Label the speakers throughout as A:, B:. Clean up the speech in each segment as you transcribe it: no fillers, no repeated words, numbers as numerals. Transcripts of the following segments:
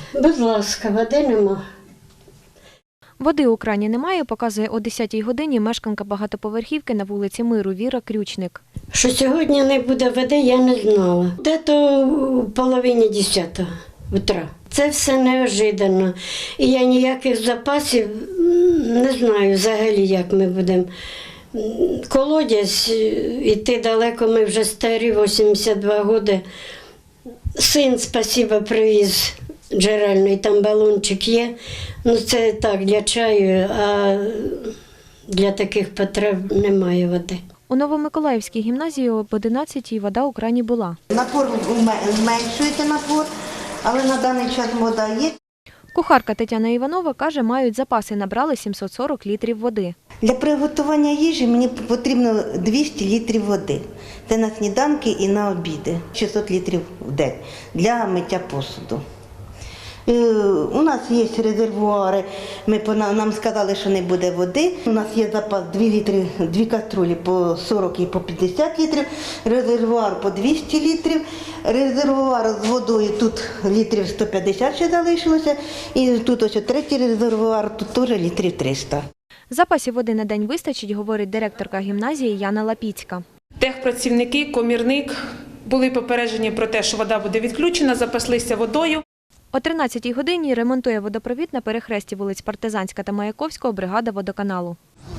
A: Будь ласка, води нема.
B: Води у крані немає, показує о 10-й годині мешканка багатоповерхівки на вулиці Миру Віра Крючник.
A: Що сьогодні не буде води, я не знала. Де-то в половині 10 утра. Це все неожиданно. І я ніяких запасів не знаю взагалі, як ми будемо. Колодязь, іти далеко, ми вже старі, 82 роки. Син, спасибо, привіз джерельний, там балончик є. Ну це так, для чаю, а для таких потреб немає води.
B: У Новомиколаївській гімназії об 11-й вода у крані була.
C: Напор зменшуєте напор, але на даний час вода є.
B: Кухарка Тетяна Іванова каже, мають запаси, набрали 740 літрів води.
C: Для приготування їжі мені потрібно 200 літрів води. Це на сніданки і на обіди. 600 літрів в день для миття посуду. У нас є резервуари, нам сказали, що не буде води. У нас є запас 2 каструлі по 40 і по 50 літрів, резервуар по 200 літрів, резервуар з водою, тут літрів 150 ще залишилося, і тут ось третій резервуар, тут теж літрів 300.
B: Запасів води на день вистачить, говорить директорка гімназії Яна Лапіцька.
D: Техпрацівники, комірник були попереджені про те, що вода буде відключена, запаслися водою.
B: О 13-й годині ремонтує водопровід на перехресті вулиць Партизанська та Маяковського бригада водоканалу.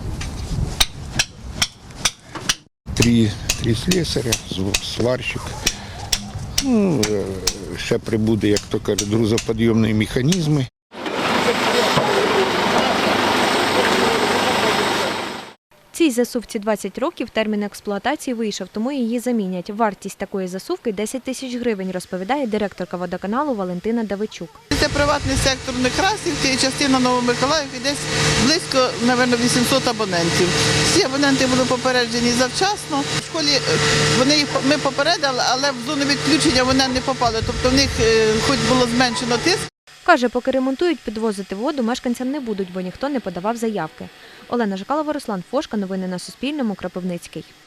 E: Три слесаря, сварщик. Ще прибуде, як то кажуть, грузоподйомні механізми.
B: Цій засувці 20 років, термін експлуатації вийшов, тому її замінять. Вартість такої засувки – 10 тисяч гривень, розповідає директорка водоканалу Валентина Давичук.
F: Це приватний сектор Некрасівки і частина Новомиколаївки, десь близько, мабуть, 800 абонентів. Всі абоненти були попереджені завчасно. В школі ми попередили, але в зону відключення вони не попали, тобто в них хоч було зменшено тиск.
B: Каже, поки ремонтують, підвозити воду мешканцям не будуть, бо ніхто не подавав заявки. Олена Жакалова, Руслан Фошка. Новини на Суспільному. Кропивницький.